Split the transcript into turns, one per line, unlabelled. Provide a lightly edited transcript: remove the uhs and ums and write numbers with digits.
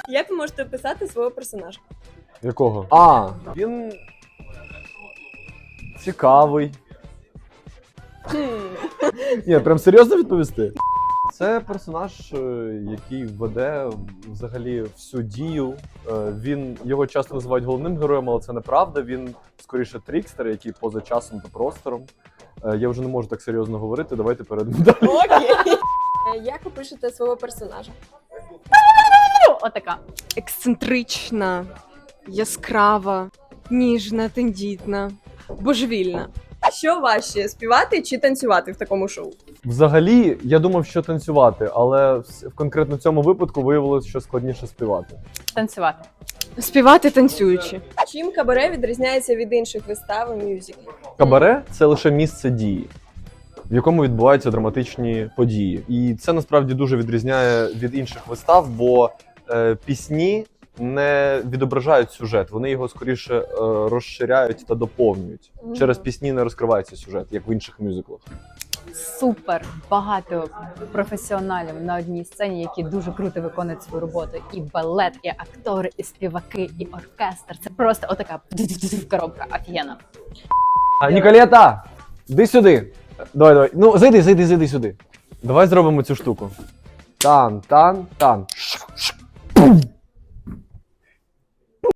Як ви можете описати свого персонажа?
Якого? Він цікавий. Ні, прям серйозно відповісти? Це персонаж, який веде взагалі всю дію. Його часто називають головним героєм, але це неправда. Він скоріше трікстер, який поза часом та простором. Я вже не можу так серйозно говорити, давайте перейдемо далі.
Окей. Як ви пишете свого персонажа?
Отака.
Ексцентрична, яскрава, ніжна, тендітна, божевільна.
Що важче, співати чи танцювати в такому шоу?
Взагалі, я думав, що танцювати, але в конкретно цьому випадку виявилося, що складніше співати.
Танцювати.
Співати танцюючи.
Чим кабаре відрізняється від інших вистав і мюзиклів?
Кабаре – це лише місце дії, в якому відбуваються драматичні події. І це насправді дуже відрізняє від інших вистав, бо пісні не відображають сюжет, вони його скоріше розширяють та доповнюють. Через пісні не розкривається сюжет, як в інших мюзиклах.
Супер багато професіоналів на одній сцені, які дуже круто виконують свою роботу. І балет, і актори, і співаки, і оркестр. Це просто отака коробка офігенна.
Ніколета, йди сюди. Давай. Ну, зайди сюди. Давай зробимо цю штуку. Тан.